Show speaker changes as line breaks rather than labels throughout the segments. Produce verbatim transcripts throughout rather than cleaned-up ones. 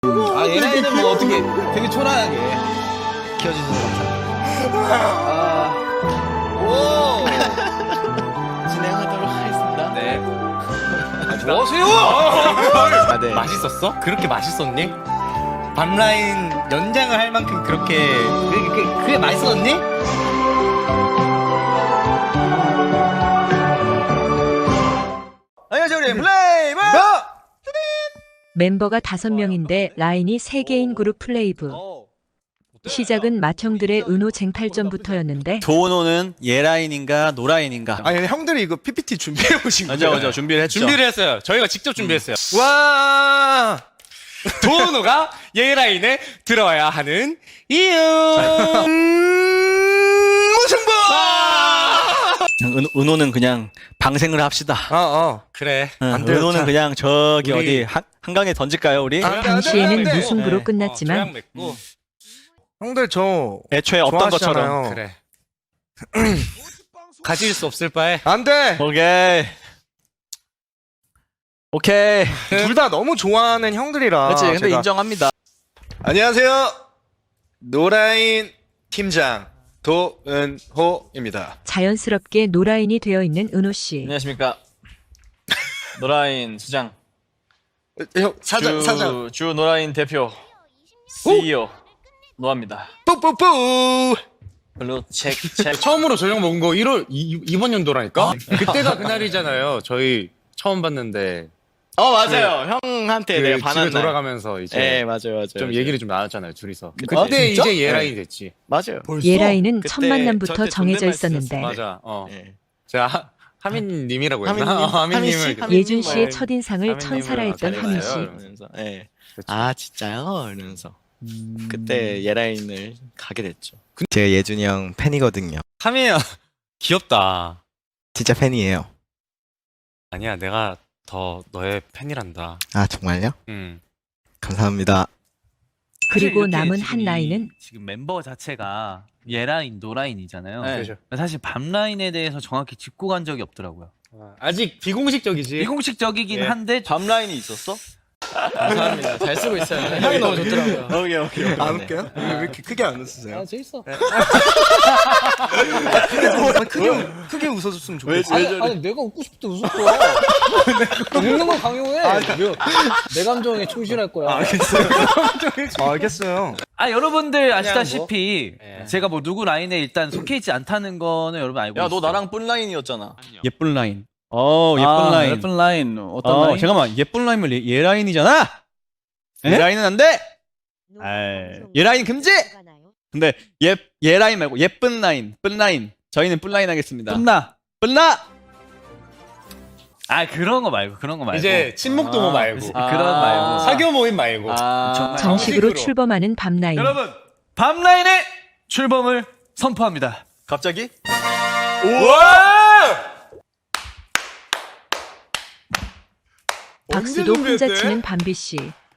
아, 얘네는 뭐 어떻게 되게 초라하게 키워주셔서 감사합니다. 아, 오! 진행하도록 하겠습니다.
네.
뭐하세요?
아, 네.
맛있었어? 그렇게 맛있었니? 밤라인 연장을 할 만큼 그렇게 그게, 그게, 그게 맛있었니?
안녕하세요, 우리 플레이브!
멤버가 다섯 명인데 라인이 세 개인 그룹 플레이브. 시작은 맏형들의 은호 쟁탈전부터였는데
도노는 예라인인가 노라인인가?
아니 형들이 이거 피피티 준비해 오신 거예요?
맞아 맞아 준비를 했죠.
준비를 했어요. 저희가 직접 준비했어요. 와 도노가 예라인에 들어와야 하는 이유. 음, 무승부.
은, 은호는 그냥 방생을 합시다.
어, 어, 그래.
응,
안 돼요,
은호는
자.
그냥 저기
우리-
어디 한, 한강에 던질까요 우리?
아,
당시에는
네, 네,
무승부로
네.
끝났지만
어, 조약 맺고.
형들 저
애초에 없던 것처럼.
좋아하시잖아요.
그래. 가질 수 없을 바에.
안 돼.
오케이. 오케이.
둘 다 너무 좋아하는 형들이라.
그렇지. 근데
제가-
인정합니다.
안녕하세요. 노라인 팀장 도은호입니다.
자연스럽게 노라인이 되어 있는 은호 씨.
안녕하십니까. 노라인 수장.
형 사장
주,
사장.
주 노라인 대표 씨이오 노아입니다.
뿌뿌뿌.
블루 체크 체크.
처음으로 저녁 먹은 거 일월 이, 이번 연도라니까? 그때가 그날이잖아요. 저희 처음 봤는데
어 맞아요. 형한테
그
내가
집에
반한 날.
돌아가면서 이제
네 맞아요 맞아요.
좀
맞아요.
얘기를 좀 나눴잖아요, 둘이서. 그때
아, 진짜?
이제 예라인이 됐지.
맞아요.
예라인은
그때
첫 만남부터
저한테
정해져
존댓말
있었는데
쓰셨어요.
맞아. 어.
네.
제가 하, 하민님이라고 했나?
하민님,
어, 하민님을
하민 씨?
그-
하민-
예준 씨의
말-
첫인상을
하민님을
천사라 했던
잘해봐요.
하민 씨.
이러면서 예.
그쵸.
아 진짜요? 이러면서 그때 예라인을 가게 됐죠. 제가 예준이 형 팬이거든요.
하민이 형 귀엽다.
진짜 팬이에요.
아니야, 내가 더 너의 팬이란다.
아 정말요?
음.
감사합니다.
그리고
이렇게
남은
지금
한
이-
라인은
지금 mem버 자체가 예라인, 노라인이잖아요.
네.
그죠.
사실 밤라인에 대해서 정확히 짚고 간 적이 없더라고요.
어, 아직 비공식적이지.
비공식적이긴
예.
한데
밤 라인이 있었어?
감사합니다. 잘 쓰고 있어요. 형이 너무 좋더라고요.
오케이 오케이.
안 웃겨요? 왜 이렇게 크게 안 웃으세요?
아, 재밌어.
크게 웃- 크게 웃어줬으면 좋겠어.
아니, 아니, 내가 웃고 싶을 때 웃었어. 웃는 걸 강요해. 내, 내 감정에 충실할 거야.
알겠어요.
아 여러분들 아시다시피
뭐. 예.
제가 뭐 누구 라인에 일단 속해 있지 않다는 거는 여러분 알고
야
있어요.
너 나랑 뿔 라인이었잖아.
예쁜 라인. 어, 예쁜
아,
라인.
예쁜 라인 어떤
어,
라인?
잠깐만. 예쁜 라인은 얘, 얘 라인이잖아. 얘 라인은 안 돼. 에이, 얘 라인 금지. 근데 얘, 얘 라인 말고 예쁜 라인, 쁜 라인. 저희는 뿔 라인 하겠습니다.
끝나.
뿔나.
아 그런 거 말고 그런 거 말고.
이제 친목 동호
아,
말고.
그치,
아.
그런 말고.
사교 모임 말고.
아
정식으로
정식으로.
출범하는 밤라인.
여러분 밤라인의 출범을 선포합니다.
갑자기?
우와!
박수도
언제
혼자
준비했대?
치는 밤비 씨.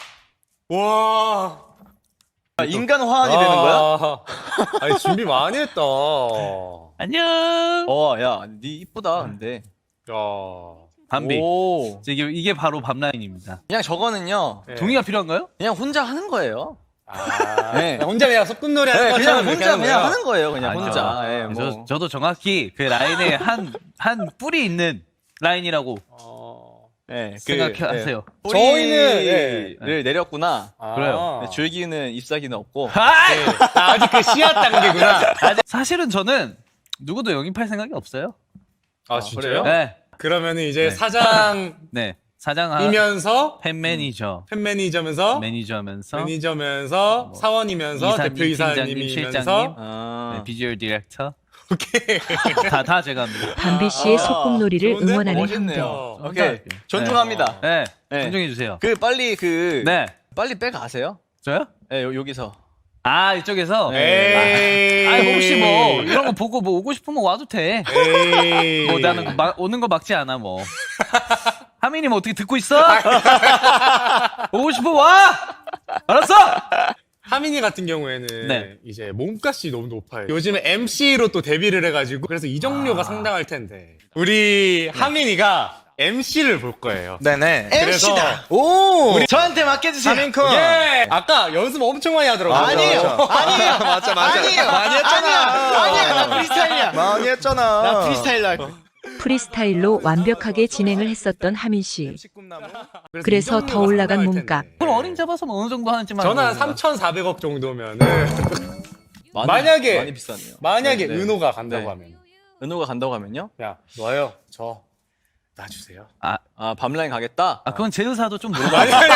와.
아, 인간 화환이 되는 거야?
아, 아니 준비 많이 했다.
안녕.
어야니 이쁘다 근데.
야.
밤비.
오.
이게 이게 바로 밤라인입니다.
그냥 저거는요.
네.
동의가 필요한가요?
그냥 혼자 하는 거예요.
아,
네.
혼자 그냥 소꿉놀이 하는
네,
것처럼
그냥
이렇게
혼자
하는
그냥
거야.
하는 거예요. 그냥
아니죠.
혼자. 예, 뭐.
저, 저도 정확히 그 라인에 한, 한 뿔이 있는 라인이라고
어.
예, 그,
생각하세요.
예.
저희는,
뿌리를 내렸구나.
아.
그래요.
네, 줄기는 잎사귀는 없고.
아!
네. 아, 아직 그 씨앗 단계구나.
사실은 저는 누구도 영입할 생각이 없어요.
아, 진짜요?
네.
그러면은 이제
네.
사장이면서
네. 사장, 팬 매니저,
팬 매니저면서
매니저면서,
매니저면서
뭐,
사원이면서
이사님,
대표
팀장님,
이사님이면서
실장님.
아.
네, 비주얼 디렉터.
오케이.
다, 다 제가 합니다.
밤비 씨의 소꿉놀이를
좋은데?
응원하는
멋있네요.
형들.
오케이. 존중합니다.
네.
네.
존중해주세요.
그 빨리 그
네.
빨리 빼 가세요.
저요?
예, 요- 여기서.
아, 이쪽에서?
에이.
아, 뭐 혹시 뭐, 이런 거 보고 뭐 오고 싶으면 와도 돼.
에이.
뭐 나는 그 막- 오는 거 막지 않아 뭐. 하민이 뭐 어떻게 듣고 있어? 오고 싶어 와. 알았어.
하민이 같은 경우에는
네.
이제 몸값이 너무 높아요. 요즘에 엠씨로 또 데뷔를 해가지고 그래서 이정료가 상당할 텐데 우리 하민이가 엠씨를 볼 거예요.
네네.
그래서
오!
우리 저한테 맡겨주세요.
하민쿤.
예! 아까 연습 엄청 많이 하더라고요.
아니에요. 아니에요.
맞아, 맞아.
아니에요.
많이 했잖아.
아니야. 나 프리스타일이야.
많이 했잖아.
나 프리스타일로 할 거야.
프리스타일로 완벽하게 진행을 했었던 하민 씨.
십꿈나무.
그래서
이
더
정도가
올라간
상당할
몸값.
텐데.
그럼 어림잡아서 뭐 어느 정도 하는지만.
저는 한
알고 있는
삼천사백억 정도면은
많이,
만약에-
많이 비쌌네요.
만약에
네, 네.
은호가 간다고
네.
하면
은호가 간다고 하면요?
야 너요 저 놔주세요.
아 밤라인 가겠다.
아, 그건 제 의사도 좀 물어봐.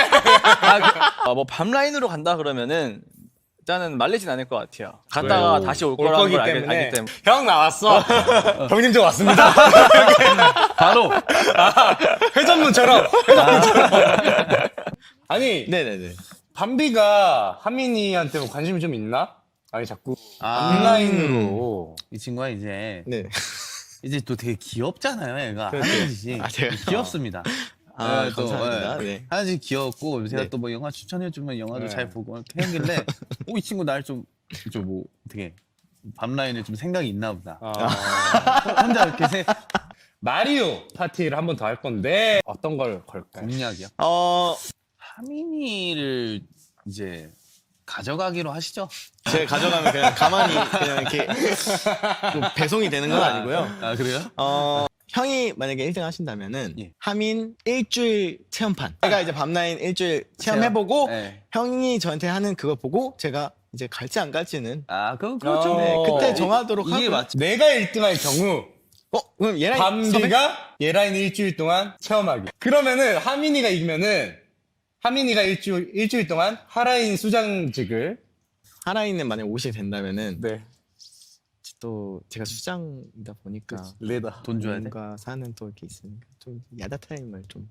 아, 뭐 밤라인으로 간다 그러면은 일단은 말리진 않을 것 같아요. 갔다가
왜요?
다시 올
올
거라는
거기
걸 알기,
때문에.
알기 때문에.
형 나왔어. 형님 저 왔습니다.
바로.
회전문처럼. 회전문처럼. 아니
네네네.
밤비가 하민이한테 뭐 관심이 좀 있나? 아니 자꾸
아.
온라인으로
이 친구가 이제
네.
이제 또 되게 귀엽잖아요, 얘가.
그렇죠.
하는지
아, 제가요?
귀엽습니다.
아,
네, 또,
감사합니다.
예.
네.
하나씩 귀엽고 제가
네.
또 뭐 영화 추천해주면 영화도
네.
잘 보고 이렇게 하길래 오, 이 친구 날 좀 좀 뭐 어떻게 밤라인에 좀 생각이 있나 보다.
아,
혼자 이렇게 세
마리오 파티를 한 번 더 할 건데 어떤 걸 걸까요?
공략이요.
어,
하민이를 이제 가져가기로 하시죠.
제가 가져가면 그냥 가만히 그냥 이렇게 또 배송이 되는 건 아니고요.
아 그래요?
어, 형이 만약에 일 등 하신다면은
예.
하민 일주일 체험판. 제가 이제 밤라인 일주일 체험해보고
네.
형이 저한테 하는 그거 보고 제가 이제 갈지 안 갈지는
아 그럼 그렇죠.
어,
네, 그때
이-
정하도록
이게
하고요.
맞죠.
내가 일 등 할 경우
어, 그럼 얘랑 섭외?
밤비가 얘라인 일주일 동안 체험하기. 그러면은 하민이가 이기면은 하민이가 일주일 일주일 동안 하라인 수장직을
하라인은 만약 오시게 된다면은
네
또 제가 수장이다 보니까
레다.
돈 줘야 돼.
뭔가 사는 또 이렇게 있으니까 좀 야다 타임을 좀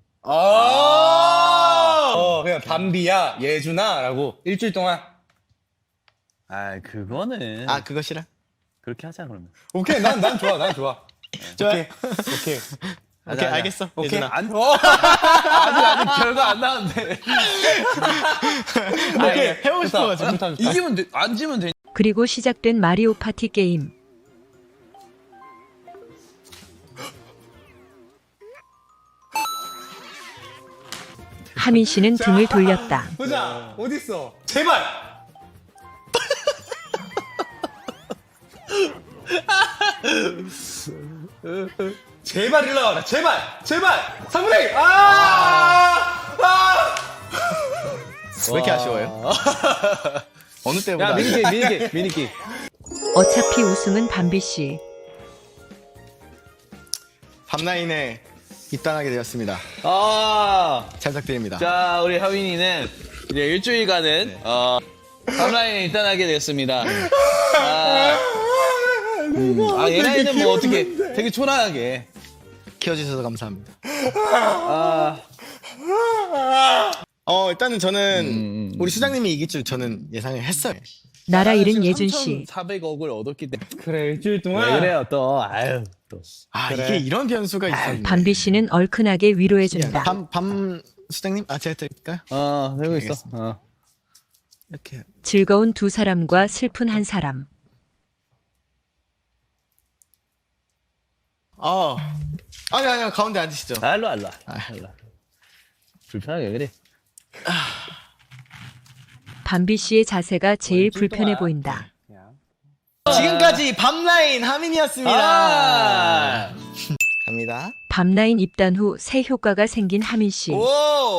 아, 어 그냥 밤비야 예준아라고 일주일 동안
아 그거는
아 그거 싫어?
그렇게 하자 그러면.
오케이 난 난 좋아 난 좋아.
좋아.
오케이 오케이.
오케이 알겠어.
오케이.
예준아.
안, 아직 아직 결과 안 나왔는데.
오케이
해보고 싶어가지고.
좋다, 좋다, 좋다.
이기면 돼, 안 지면 돼.
그리고 시작된 마리오 파티 게임. 하민 씨는 등을 돌렸다.
보자 어디 있어? 제발. 제발 일로 와라 제발 제발 삼분의 아! 아!
왜 이렇게 아쉬워요? 어느 때보다.
야 미니게임 미니게임 미니게임.
어차피 우승은 밤비 씨.
밤라인에 입단하게 되었습니다.
아,
잘 부탁드립니다.
자 우리 하민이는 이제 일주일간은 어 탑라인에 입단하게 되었습니다. 아, 음, 아 얘네는 뭐 어떻게 되게 초라하게.
키워주셔서 감사합니다.
아,
어 일단은 저는
음, 음.
우리 수장님이 이길 줄 저는 예상을 했어요.
나라 잃은 예준 씨.
사백억을 얻었기 때문에.
그래 일주일 동안
왜 그래요 또? 아유 또.
아
그래.
이게 이런 변수가 있었네.
밤비 씨는 얼큰하게 위로해준다.
밤, 밤 수장님 아 제가 드릴까요?
어 되고 있어.
알겠습니다.
어.
이렇게
즐거운 두 사람과 슬픈 한 사람.
어 아니 아니 가운데 앉으시죠.
아, 일로 와, 일로 와. 일로 와. 불편하게 왜 그래?
밤비 씨의 자세가 제일 불편해 보인다.
지금까지 밤라인 하민이었습니다.
아!
갑니다.
밤라인 입단 후 새 효과가 생긴 하민 씨.
오!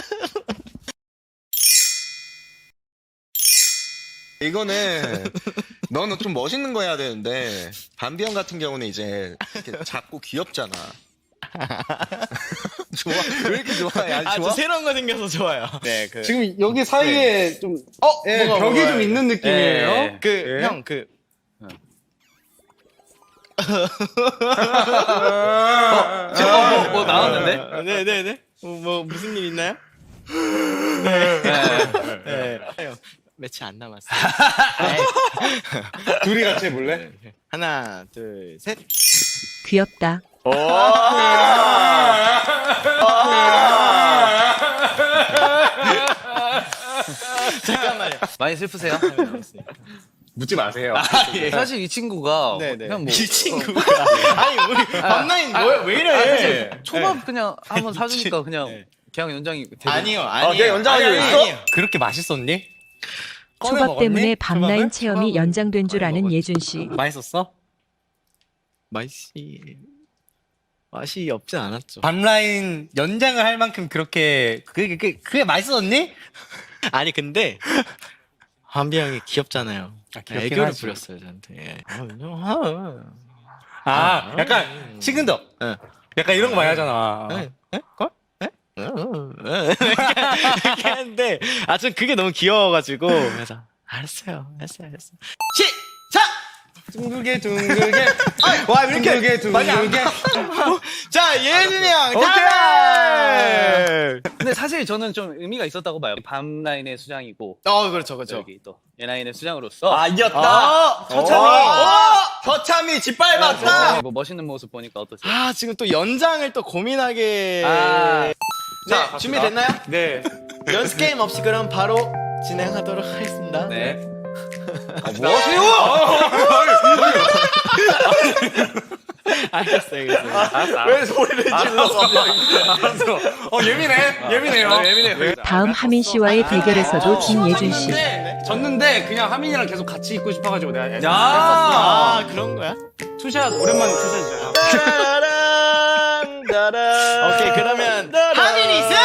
이거는 너는 좀 멋있는 거 해야 되는데 밤비 형 같은 경우는 이제 이렇게 작고 귀엽잖아. 좋아. 왜 이렇게 좋아해? 아니,
아,
좋아?
저 새로운 거 생겨서 좋아요.
네, 그,
지금 여기 사이에 좀
어,
예,
뭐가,
벽이
뭐가.
좀 있는 느낌이에요.
예.
그,
예.
형, 그,
어, 뭐, 뭐 나왔는데?
네네네. 뭐, 뭐, 무슨 일 있나요?
네.
네. 형, 며칠 안 남았어요.
둘이 같이 해볼래?
하나, 둘, 셋.
귀엽다.
잠깐만요.
많이 슬프세요?
묻지 마세요.
사실 이 친구가
네네.
그냥 뭐
이 친구가 아니 우리 밤라인 왜, 왜 이래?
아, 사실 초밥 그냥 한번 사주니까 그냥
네.
그냥 연장이 되게
아니요, 아니요.
걔 연장하기로
아니,
했어?
아니요.
그렇게 맛있었니? 꺼내
초밥
먹었니?
때문에 밤라인
초밥을?
체험이
초밥을
연장된 줄
꺼내
아는
먹었지.
예준 씨.
맛있었어?
맛이 맛이 없진 않았죠.
밤라인 연장을 할 만큼 그렇게 그게 그게, 그게 맛있었니?
아니 근데 한비 형이 귀엽잖아요.
아, 귀엽긴
애교를
하지.
부렸어요 저한테. 예. 아,
아, 약간 식은덕.
네.
약간 이런 거 많이 하잖아.
에? 에? 걸? 에? 어, 어, 어. 이렇게 하는데 아 전 그게 너무 귀여워가지고 그래서 알았어요, 알았어요, 알았어요. 시작!
둥글게 둥글게
와 이렇게
둥글게
많이 안
둥글게
자 예준이 형,
오케이!
근데 사실 저는 좀 의미가 있었다고 봐요. 밤라인의 수장이고
어 그렇죠, 그렇죠.
여기 또 예라인의 수장으로서
아 이겼다. 처참히, 처참히 짓밟았다.
뭐 멋있는 모습 보니까 어떠세요?
아 지금 또 연장을 또 고민하게.
아.
자 준비됐나요?
네.
연습 게임 없이 그럼 바로 진행하도록 하겠습니다.
네.
뭐 하세요? 알겠어요, 알겠어요. 왜 소리를 질렀어?
알았어. 어 예민해. 예민해요. 예민해.
다음 하민 씨와의 대결에서도 진 예준 씨.
졌는데 그냥 하민이랑 계속 같이 있고 싶어가지고 내가 했었어.
아 그런 거야?
투샷 오랜만에 투샷이잖아.
따라랑 따라. 오케이 그러면 하민이 승.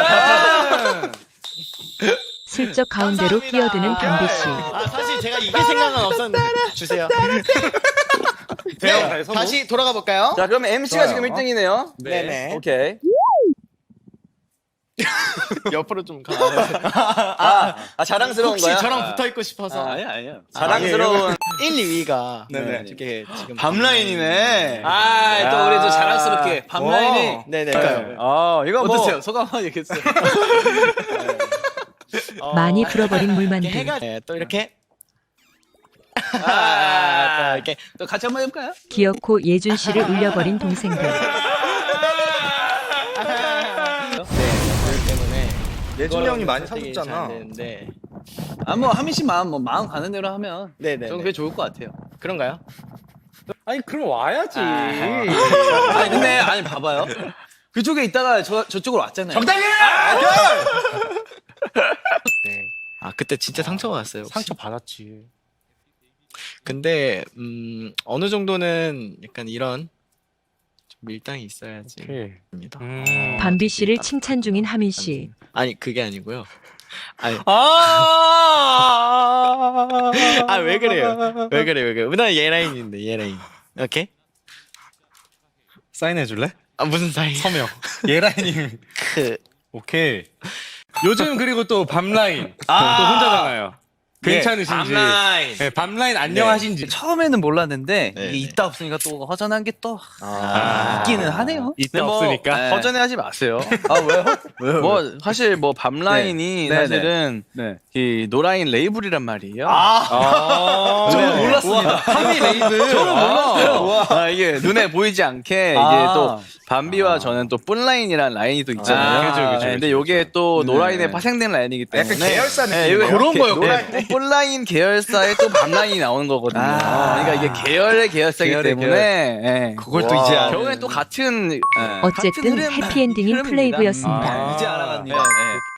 슬쩍 가운데로 끼어드는 담비 씨.
아 사실 제가 이길 생각은 없었는데 주세요. 네, 다시 돌아가 볼까요?
자, 그러면 엠씨가
좋아요.
지금 일 등이네요.
네네.
오케이.
옆으로 좀 가.
아, 아 자랑스러운
혹시
거야?
저랑 붙어 있고 싶어서.
아, 아니야, 아니야.
자랑스러운 일, 이 위가
네네.
이렇게 지금
밤라인이네.
아, 또 우리 또 자랑스럽게 밤라인이.
네네.
아 이거 뭐
어떠세요? 소감 한번 얘기해주세요.
많이 불어버린 물만두.
이렇게 해가 네, 또 이렇게
아,
또 이렇게
또 같이 한번 해볼까요?
기어코 예준 씨를 울려버린 동생들.
그렇기 때문에
예준이 형이 많이
선택이
사줬잖아.
잘 되는데
아, 뭐, 하민 씨 마음, 뭐, 마음 가는 대로 하면.
네네.
저는 그게 좋을 것 같아요.
그런가요?
아니 그럼 와야지.
아니, 근데, 아니, 봐봐요. 그쪽에 있다가 저, 저쪽으로 왔잖아요.
적당해.
아 그때 진짜 상처가 왔어요. 혹시?
상처 받았지.
근데 음 어느 정도는 약간 이런 좀 밀당이 있어야지.
오케이.
입니다.
음.
밤비 씨를 칭찬 중인 하민 씨.
아니 그게 아니고요. 아니
아.
아 왜 그래요? 왜 그래 왜 그래? 나 예라인인데 예라인. 오케이?
사인해 줄래?
아 무슨 사이?
서명. 예라인님.
그
오케이. 요즘 그리고 또 밤라인 또 혼자잖아요. 괜찮으신지.
밤라인.
네, 밤라인 안녕하신지.
처음에는 몰랐는데,
네,
이게
네.
있다 없으니까 또 허전한 게 또
아.
있기는 하네요.
이때
근데 뭐,
없으니까.
네.
허전해하지 마세요.
아, 왜요? 왜요?
뭐 사실 뭐 밤라인이
네. 네,
사실은
네.
이 노라인 레이블이란 말이에요.
아.
저는 몰랐습니다.
하미 레이블.
저는 몰랐어요.
아, 이게 눈에 보이지 않게
아.
이게 또 밤비와 저는 또 뿔라인이라는 라인이 또 있잖아요.
아, 그죠, 그죠,
네, 근데
그죠,
요게 또
네.
노라인에 파생된 라인이기 때문에
약간 계열사
네,
느낌이네요.
요게
그런 거요,
네, 네, 뿔라인 계열사에 또 밤라인이 나오는 거거든요.
아.
그러니까 이게 계열의 계열사이기
계열의
때문에 예.
그걸 또 이제 아는.
결국엔 또 같은
네.
어쨌든
같은 흐름,
해피엔딩인
흐름입니다.
플레이브였습니다.
아, 이제 알아갔네요.
네, 네.